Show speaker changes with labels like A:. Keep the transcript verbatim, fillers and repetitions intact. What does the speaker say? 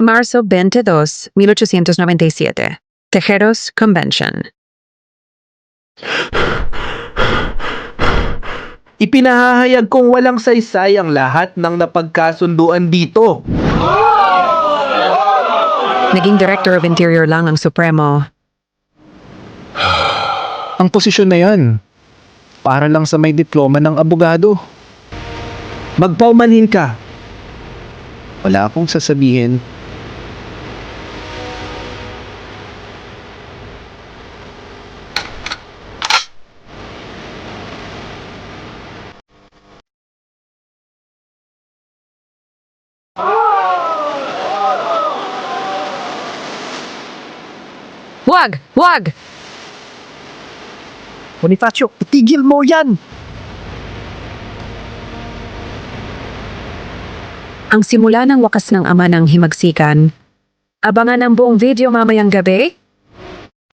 A: Marzo veintidós, mil ochocientos noventa y siete. Tejeros Convention.
B: Ipinahahayag kong walang saysay ang lahat ng napagkasunduan dito.
A: Naging Director of Interior lang ang Supremo.
C: Ang posisyon na yan, para lang sa may diploma ng abogado.
B: Magpaumanhin ka.
C: Wala akong sasabihin.
A: Wag! Wag!
B: Bonifacio, itigil mo yan!
A: Ang simula ng wakas ng ama ng himagsikan. Abangan ang buong video mamayang gabi